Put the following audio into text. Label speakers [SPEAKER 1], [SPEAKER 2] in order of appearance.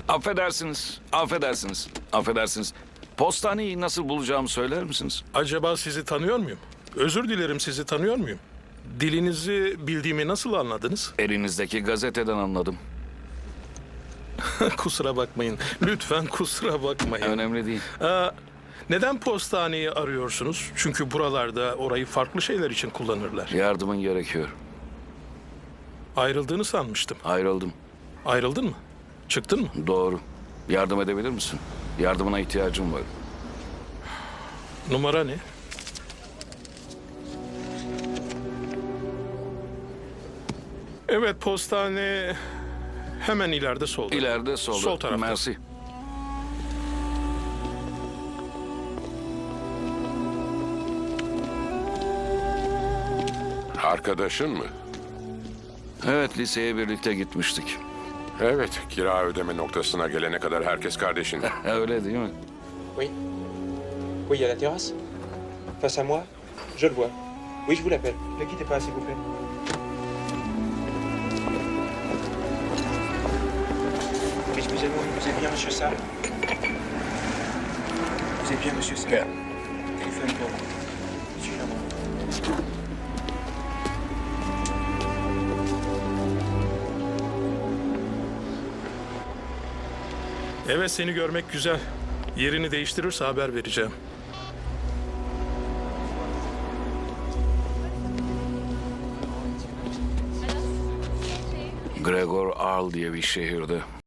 [SPEAKER 1] Affedersiniz, affedersiniz. Postaneyi nasıl bulacağımı söyler misiniz?
[SPEAKER 2] Acaba sizi tanıyor muyum? Özür dilerim, sizi tanıyor muyum? Dilinizi bildiğimi nasıl anladınız?
[SPEAKER 1] Elinizdeki gazeteden anladım.
[SPEAKER 2] Kusura bakmayın. Lütfen kusura bakmayın.
[SPEAKER 1] Önemli değil.
[SPEAKER 2] Neden postaneyi arıyorsunuz? Çünkü buralarda orayı farklı şeyler için kullanırlar.
[SPEAKER 1] Yardımın gerekiyor.
[SPEAKER 2] Ayrıldığını sanmıştım.
[SPEAKER 1] Ayrıldım.
[SPEAKER 2] Ayrıldın mı? Çıktın mı?
[SPEAKER 1] Doğru. Yardım edebilir misin? Yardımına ihtiyacım var.
[SPEAKER 2] Numara ne? Evet, postane hemen ileride solda.
[SPEAKER 1] İleride solda.
[SPEAKER 2] Sol tarafta.
[SPEAKER 1] Mersi.
[SPEAKER 3] Arkadaşın mı?
[SPEAKER 1] Evet, liseye birlikte gitmiştik.
[SPEAKER 3] Evet, kira ödeme noktasına gelene kadar herkes kardeşin.
[SPEAKER 1] Öyle değil mi?
[SPEAKER 4] Oui. Oui, il y a la terrasse. Face à moi. Je le vois. Oui, je vous l'appelle. Ne quittez pas, s'il vous plaît. Excusez-moi, vous êtes bien Monsieur Sarr? Vous êtes bien Monsieur Sarr? Téléphone pour vous. Monsieur Germain.
[SPEAKER 2] Evet, seni görmek güzel. Yerini değiştirirse haber vereceğim.
[SPEAKER 1] Gregor Arl diye bir şehirde.